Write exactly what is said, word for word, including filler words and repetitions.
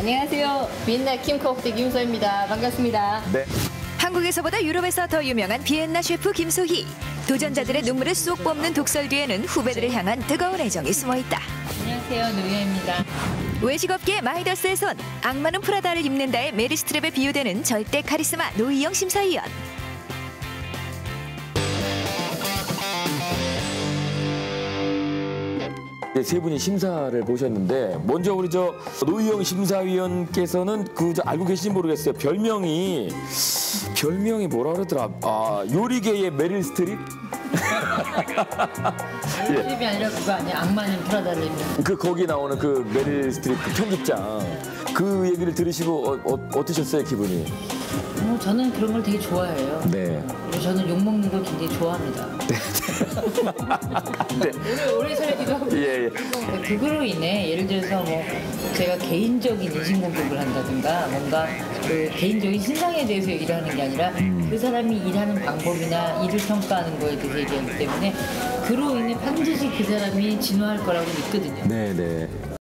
안녕하세요. 비엔나 킴커프대 김소희입니다. 반갑습니다. 네. 한국에서보다 유럽에서 더 유명한 비엔나 셰프 김소희. 도전자들의 눈물을 쏙 뽑는 독설 뒤에는 후배들을 향한 뜨거운 애정이 숨어있다. 안녕하세요. 노희아입니다. 외식업계 마이더스의 손, 악마는 프라다를 입는다의 메리 스트랩에 비유되는 절대 카리스마 노희영 심사위원. 세 분이 심사를 보셨는데 먼저 우리 저 노희영 심사위원께서는 그 저 알고 계신지 모르겠어요. 별명이 별명이 뭐라 그러더라. 아 요리계의 메릴 스트립? 스트립이 아니라 그거 아니야? 악마는 프라다를 입는. 그 거기 나오는 그 메릴 스트립 그 편집장 그 얘기를 들으시고 어, 어, 어떠셨어요 기분이? 뭐 저는 그런 걸 되게 좋아해요. 네. 그리고 저는 욕 먹는 걸 굉장히 좋아합니다. 네. 오래 오래 살기도 하고. 예, 예. 그거로 인해 예를 들어서 뭐 제가 개인적인 인신공격을 한다든가 뭔가 그 개인적인 신상에 대해서 얘기를 하는 게 아니라 그 사람이 일하는 방법이나 일을 평가하는 거에 대해서 얘기하기 때문에 그로 인해 반드시 그 사람이 진화할 거라고 믿거든요. 네, 네.